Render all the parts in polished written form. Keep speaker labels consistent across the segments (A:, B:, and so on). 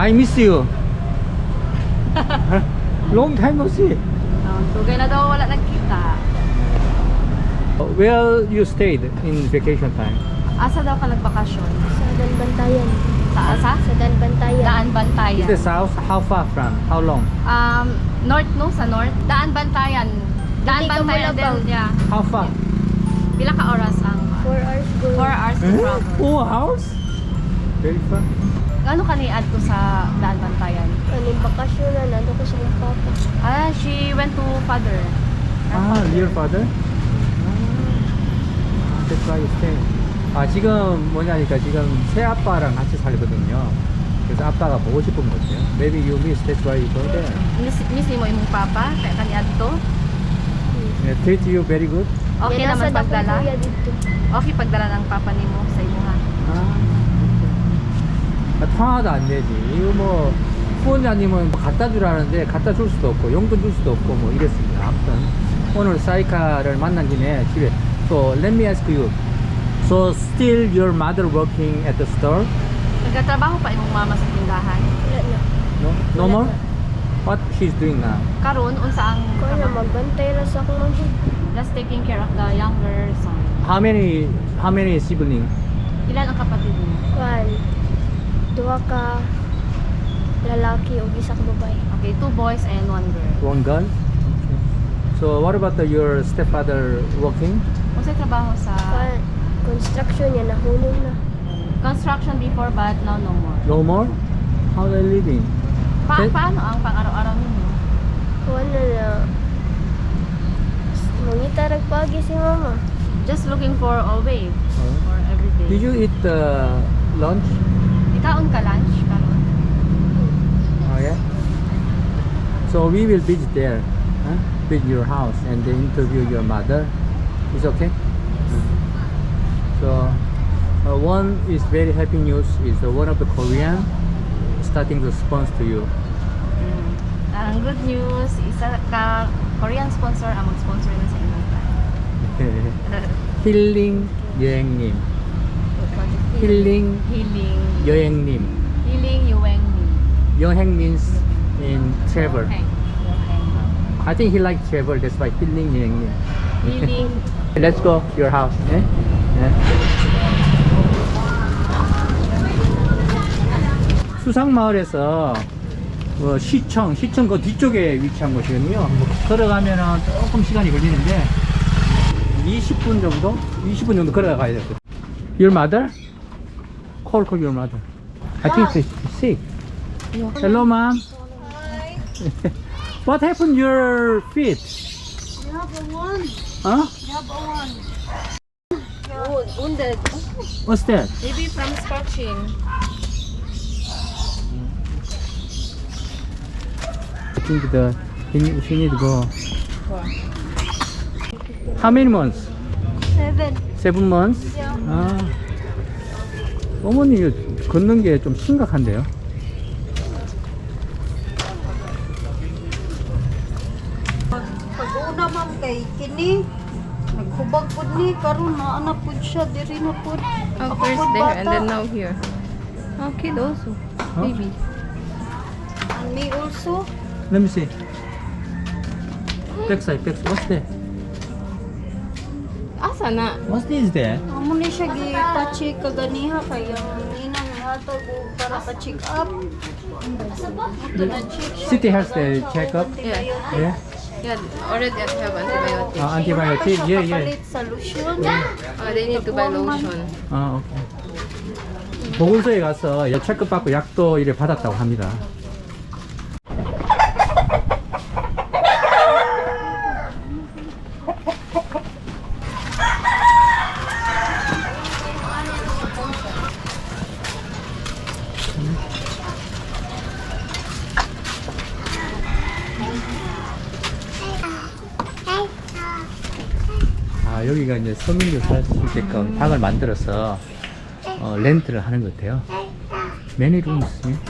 A: I miss you. Long time no see.
B: Tugay na daw wala nagkita.
A: Where you stayed in vacation time?
B: Asa daw ka nagbakasyon?
C: Sa Dalbantayan.
B: Sa asa?
C: Sa Dalbantayan.
B: Daan
A: Is
B: Bantayan.
A: the south? How far from? How long?
B: North no? Sa north? Daan Bantayan. Daan
C: Hindi ka
B: Bantayan
C: Malabang.
B: din. Yeah.
A: How far?
B: Pila ka oras ang
C: 4 hours going.
B: 4 hours to travel.
A: 4 hours? Very far.
B: Ano ka ni-add ko sa Daan Bantayan?
C: Kaning bakasyon na nando ko sa kong papa.
B: She went to father.
A: Your father? That's why you stay. 지금 뭐냐니까 지금 새 아빠랑 같이 살거든요. 그래서 아빠가 보고 싶은 거죠. Maybe you miss, that's why you go there.
B: Miss mo imong papa? Kaya ka ni-add to?
A: Yeah, treat you very good.
B: Okay
C: Yan,
B: naman
C: nasa dakong
B: pagdala?
C: kuya dito.
B: Okay pagdala ng papa nimo sa imo ha?
A: 통화도 안 되지. 이거 뭐 후원자님은 뭐 갖다 주라는데 갖다 줄 수도 없고 용돈 줄 수도 없고 뭐 이랬습니다. 아무튼 오늘 사이카를 만난 김에 집에. So let me ask you. So still your mother working at the store?
B: Nagtatrabaho pa imong mama sa tindahan?
C: Wala na.
A: No? No more? What she's doing now?
B: Karon unsa ang
C: Ko na magbantay ra sa akong mga.
B: just taking care of the younger son?
A: How many siblings?
B: Ilan ang kapatid mo?
C: Kuan. Duha ka lalaki ug isa ka babae.
B: Okay, 2 boys and 1 girl.
A: One girl? Okay. So what about your stepfather working?
B: Unsa trabaho sa
C: Kuan. Construction niya nahulog na.
B: construction before but now no more?
A: No more? How they living? Okay.
B: Paano ang pang-araw-araw ninyo?
C: Kuan na. Mangita ragpagi si mama.
B: Just looking for a way for every day.
A: Did you eat lunch?
B: Ikaon ka lunch karon?
A: Oh yeah. So we will visit there, visit your house and then interview your mother. It's okay. So one is very happy news is one of the Korean starting to sponsor to you.
B: Ang good news, isa ka Korean sponsor ang mag-sponsor na sa inyo.
A: 힐링 여행님, 힐링
B: Healing.
A: 여행님.
B: Healing Yuengmin.
A: 여행 means in travel.
B: Yoheng. Yoheng.
A: I think he likes travel. That's why 힐링 여행님.
B: Healing.
A: Let's go your house. Eh? Yeah. 수상마을에서 시청 그 뒤쪽에 위치한 곳이거든요. 뭐 걸어가면은 조금 시간이 걸리는데 20분 정도 걸어가야 돼요. Your mother? Call your mother. I think she's sick. Hello, mom. What happened to your feet? Huh?
B: Wounded.
A: What's that?
B: Maybe from scratching.
A: I think she need to go. How many months?
C: 7.
A: 7 months? 어머니 걷는 게 좀 심각한데요?
D: Pag-una ma'am kay kini naghubag pud ni karon na anak pud siya diri na pud.
B: Oh,
D: Ako
B: first
D: pud
B: there and
D: bata.
B: then now here. Oh, kid also.
A: Huh?
B: Baby.
D: And me also.
A: Let me see. Backside. What's that?
B: Asa na?
A: What's this there?
D: Amo ni siya gi-check kaganiha kay ang inang hatag og para ka check up. Ito na check siya.
A: City has the checkup.
B: Yeah.
A: Yeah.
B: Yeah, already have antibiotics.
A: Antibiotic. Yeah.
D: Palit sa lotion.
B: They need to buy lotion.
A: 오케이. 보건소에 가서 체크 받고 약도 이래 받았다고 합니다. 여기가 이제 서민들 살 수 있게끔 방을 만들어서 렌트를 하는 것 같아요. Many rooms.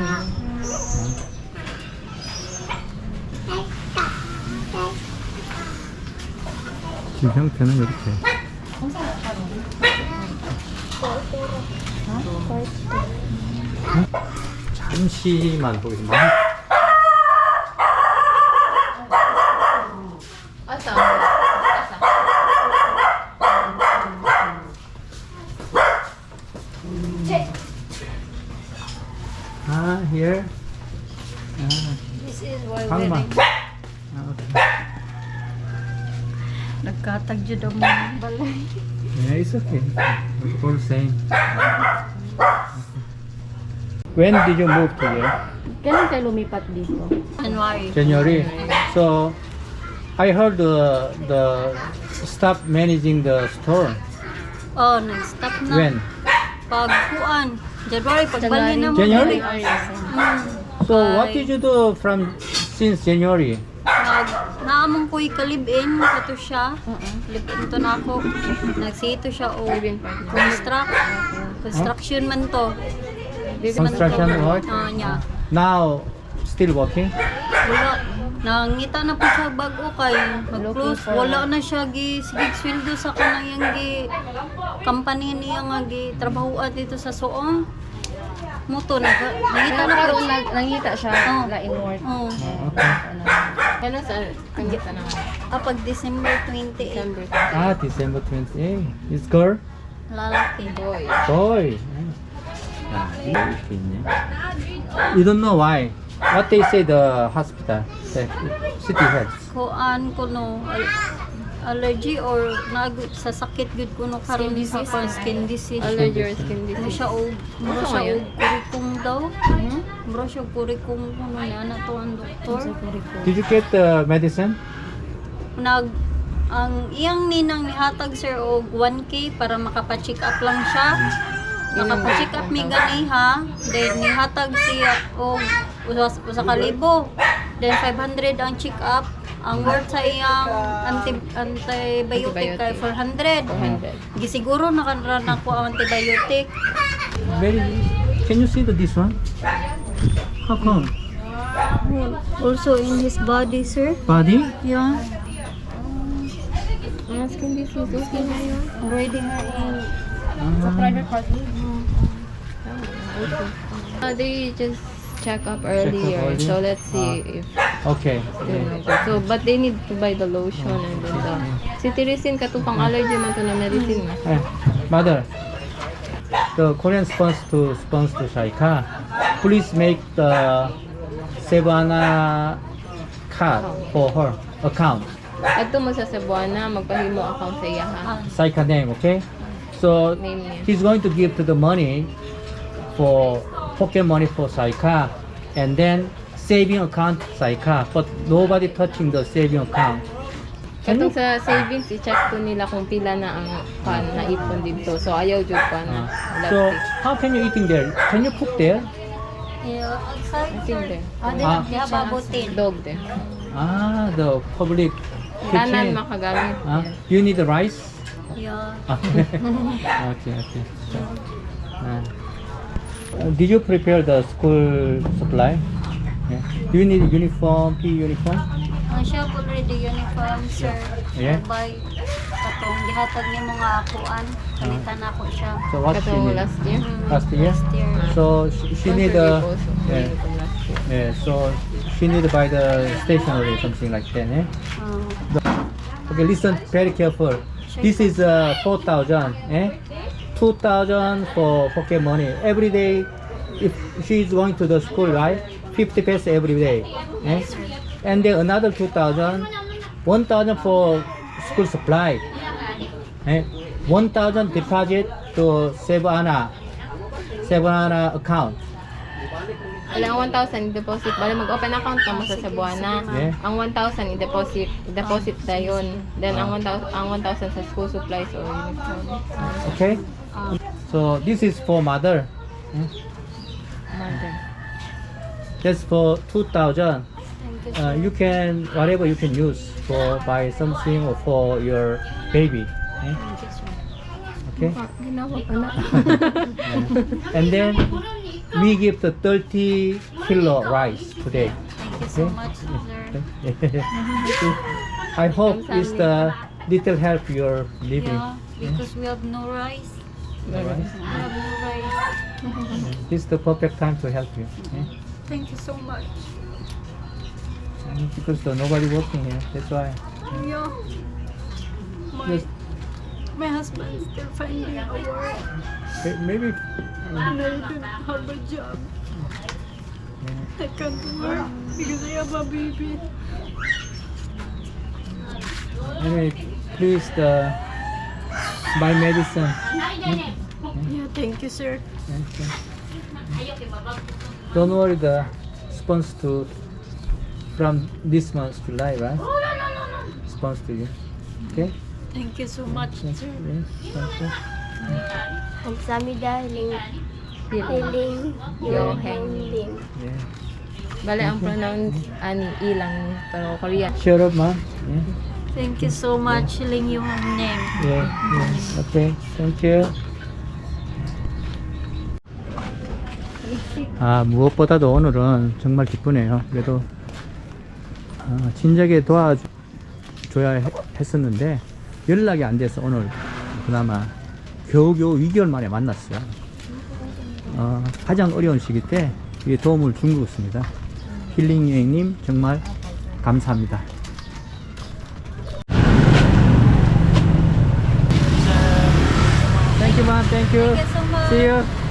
A: 집 형태는 이렇게. 잘 잠시만 보겠습니다.
B: Asa?
A: Ah, here. Ah,
B: This is why
A: 방만.
B: wedding.
A: Ah, okay.
D: Nagkatag jud ang mga balay.
A: Yeah, it's okay. It's all same. When did you move to here?
B: Kailan kayo lumipat dito?
D: January.
A: January. So, I heard the stop managing the store.
D: Oh, nag-stop na.
A: When?
D: Pagkuan. January, pagbali na mo.
A: January?
D: Mm.
A: So, what did you do from since January?
D: Naamong ko'y kalibin, kato siya. Libin to na ako. Nagsito siya o construction man to.
A: Construction work?
D: Niya.
A: Now, still working?
D: Wala. Nangita na po siya bago kay mag-close. Wala na siya sige sweldo sa kanang yang company niya nga trabahoan dito sa Soong. Muto nangita na po siya.
B: Nangita siya
D: Oh.
B: lain work.
D: Oh.
A: Okay.
B: Kailan sa nangita na?
D: Pag December 28,
B: December.
A: Ah, December 28. It's girl?
D: lalaki.
B: Boy.
A: Boy. Ah, you don't know why. What they say the hospital, the city health.
D: Kuan ko no allergy or sa sakit gud ko no karon sa skin disease.
B: Allergy or skin
D: Ano
B: disease.
D: siya og mura siya
B: ngayon?
D: og kurikong daw. Mura siya og kurikong kuno niya na to ang doktor.
A: Did you get the medicine?
D: Ang iyang ninang nihatag sir og 1K para makapa-check up lang siya. Nakapa-check up mi gani ha. Then nihatag siya og usa ka libo. Then 500 ang check up. Ang worth sa iyang antibiotic kay 400.
B: 400.
D: Gisiguro nakaran ako ang antibiotic.
A: Very. Can you see this one? How come?
D: Also in his body, sir.
A: Body?
D: Yeah.
B: Skin disease. Okay na yun.
D: Already ha in
A: Ah,
B: party. They just check up earlier.
A: early?
B: So let's see if
A: okay.
B: so but they need to buy the lotion and then the cetirizine katupang allergy man to na medicine nga.
A: Eh, mother, the Korean sponsor to Shaika, please make the Sebana card for her account.
B: Adto mo sa Cebuana magpahimo account sa iya ha.
A: Saika name, okay? So
B: Name niya.
A: he's going to give to the money for pocket money for Saika, and then saving account Saika, but nobody touching the saving account. Can
B: Katong
A: you?
B: sa savings i-check ko nila kung pila na ang pan na ipon dito. So ayaw jud pa na.
A: So how can you eating there? Can you cook there?
D: Yeah, outside.
B: I think there.
A: Ah.
D: Diha babutin.
B: Dog there.
A: Ah, the public
B: Tanan
A: kitchen.
B: makagamit.
A: Ah, you need the rice?
D: Yeah.
A: Ah, okay. Did you prepare the school supply? Yeah. Do you need uniform, PE uniform?
D: Ang siya already uniform, sir.
A: Yeah.
D: By katong gihatag ni mga akuan. Palitan na ako siya.
A: So what she
B: Katong
A: need?
B: last year.
A: Last year?
D: Last year.
A: So she need a
B: Yeah.
A: yeah. Yeah. So she need to buy the stationery, something like that. Eh? Okay, listen very careful. This is 4,000. 2,000 for pocket money every day. If she is going to the school, right? 50 pesos every day. And then another 2,000, 1,000 for school supply. 1,000 deposit to Sebana account.
B: Alang 1,000 i-deposit. Bali mag-open account ka mo sa Cebuana.
A: Yeah.
B: Ang 1,000 i-deposit tayon. Then ang 1,000 sa school supplies or uniform.
A: Okay? So this is for mother.
B: Mother.
A: That's for 2,000.
D: Thank you.
A: You can whatever you can use for buy something or for your baby. Okay?
B: Ginawa pa na.
A: And then we give the 30 kilo rice today.
D: Thank you so much, sir.
A: I hope it's the little help you're living.
D: Yeah, because we have no rice.
A: Alright?
D: Bye.
A: This is the perfect time to help you. Yeah?
D: Thank you so much.
A: Because nobody working here. That's why.
D: Yeah.
A: Just,
D: My husband still finding a work.
A: maybe.
D: And I don't have a job. I can't work because I have a baby.
A: Anyway, please buy medicine.
D: Yeah, thank you, sir.
A: Okay. Don't worry, the sponsor to from this month July, right? Sponsor to you. Okay?
D: Thank you so much,
A: Yes,
D: sir.
A: yes, thank you.
C: Ang sami dahil
B: Healing.
C: hiling
B: Yo,
C: yung
B: hang.
C: handling.
A: Yeah.
B: Bale, ang pronounce, ani, ilang, pero Korean.
A: Shut up, ma'am. Yeah.
D: Thank you so much, Ling yung name.
A: Yeah, yeah. Okay, thank you. 무엇보다도 오늘은 정말 기쁘네요. 그래도 진작에 도와줘야 했었는데 연락이 안 돼서 오늘 그나마 겨우겨우 2개월 만에 만났어요. 가장 어려운 시기 때 이 도움을 준 것 같습니다. 힐링 여행님 정말 감사합니다. Thank you, ma'am. Thank you.
D: Thank you so much.
A: See you.